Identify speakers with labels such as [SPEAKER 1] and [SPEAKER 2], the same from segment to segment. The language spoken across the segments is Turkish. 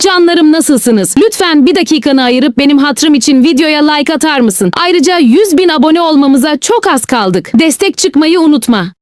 [SPEAKER 1] Canlarım nasılsınız? Lütfen bir dakikanı ayırıp benim hatırım için videoya like atar mısın? Ayrıca 100.000 abone olmamıza çok az kaldık. Destek çıkmayı unutma.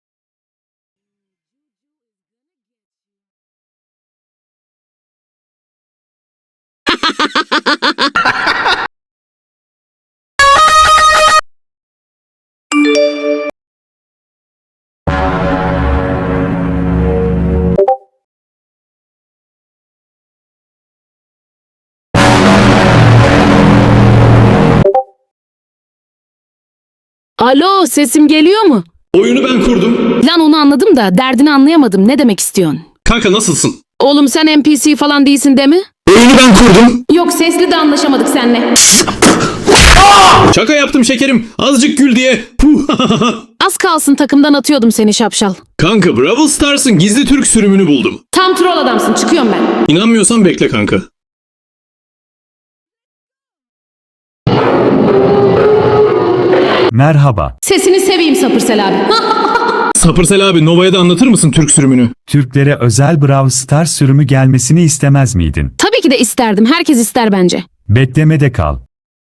[SPEAKER 1] Alo, sesim geliyor mu?
[SPEAKER 2] Oyunu ben kurdum.
[SPEAKER 1] Lan onu anladım da derdini anlayamadım. Ne demek istiyorsun?
[SPEAKER 2] Kanka nasılsın?
[SPEAKER 1] Oğlum sen NPC falan değilsin değil mi?
[SPEAKER 2] Oyunu ben kurdum.
[SPEAKER 1] Yok, sesli de anlaşamadık seninle.
[SPEAKER 2] Şaka yaptım şekerim. Azıcık gül diye. Puh.
[SPEAKER 1] Az kalsın takımdan atıyordum seni şapşal.
[SPEAKER 2] Kanka Brawl Stars'ın gizli Türk sürümünü buldum.
[SPEAKER 1] Tam troll adamsın, çıkıyorum ben.
[SPEAKER 2] İnanmıyorsan bekle kanka.
[SPEAKER 3] Merhaba.
[SPEAKER 1] Sesini seveyim Sapırsel abi.
[SPEAKER 2] Sapırsel abi Nova'ya da anlatır mısın Türk sürümünü?
[SPEAKER 3] Türklere özel Brawl Stars sürümü gelmesini istemez miydin?
[SPEAKER 1] Tabii ki de isterdim. Herkes ister bence.
[SPEAKER 3] Beklemede kal.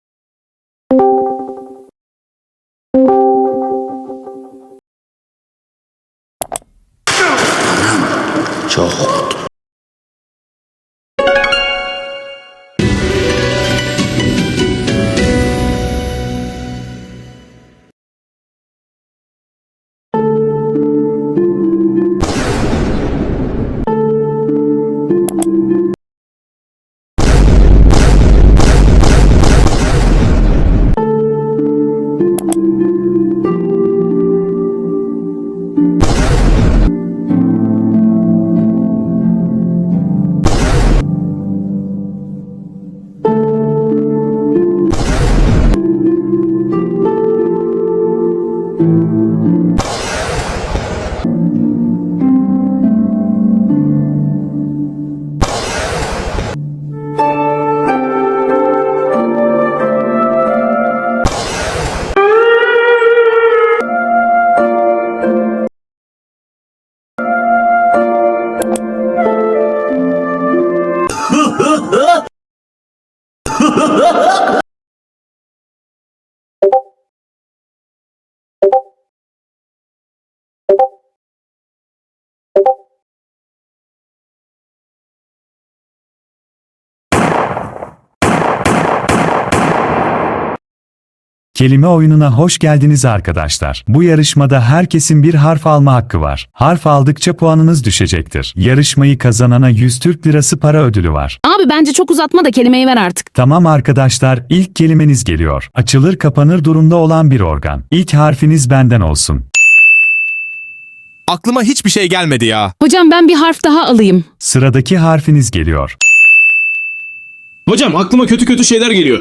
[SPEAKER 3] Kelime oyununa hoş geldiniz arkadaşlar. Bu yarışmada herkesin bir harf alma hakkı var. Harf aldıkça puanınız düşecektir. Yarışmayı kazanana 100 Türk Lirası para ödülü var.
[SPEAKER 1] Abi bence çok uzatma da kelimeyi ver artık.
[SPEAKER 3] Tamam arkadaşlar, ilk kelimeniz geliyor. Açılır kapanır durumda olan bir organ. İlk harfiniz benden olsun.
[SPEAKER 4] Aklıma hiçbir şey gelmedi ya.
[SPEAKER 1] Hocam ben bir harf daha alayım.
[SPEAKER 3] Sıradaki harfiniz geliyor.
[SPEAKER 2] Hocam aklıma kötü kötü şeyler geliyor.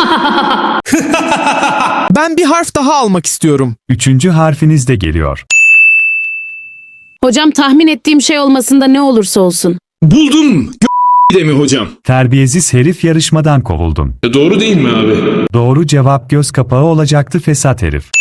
[SPEAKER 4] Ben bir harf daha almak istiyorum.
[SPEAKER 3] Üçüncü harfiniz de geliyor.
[SPEAKER 1] Hocam tahmin ettiğim şey olmasında ne olursa olsun.
[SPEAKER 2] Buldum. De mi hocam?
[SPEAKER 3] Terbiyesiz herif, yarışmadan kovuldun.
[SPEAKER 2] Doğru değil mi abi?
[SPEAKER 3] Doğru cevap göz kapağı olacaktı, fesat herif.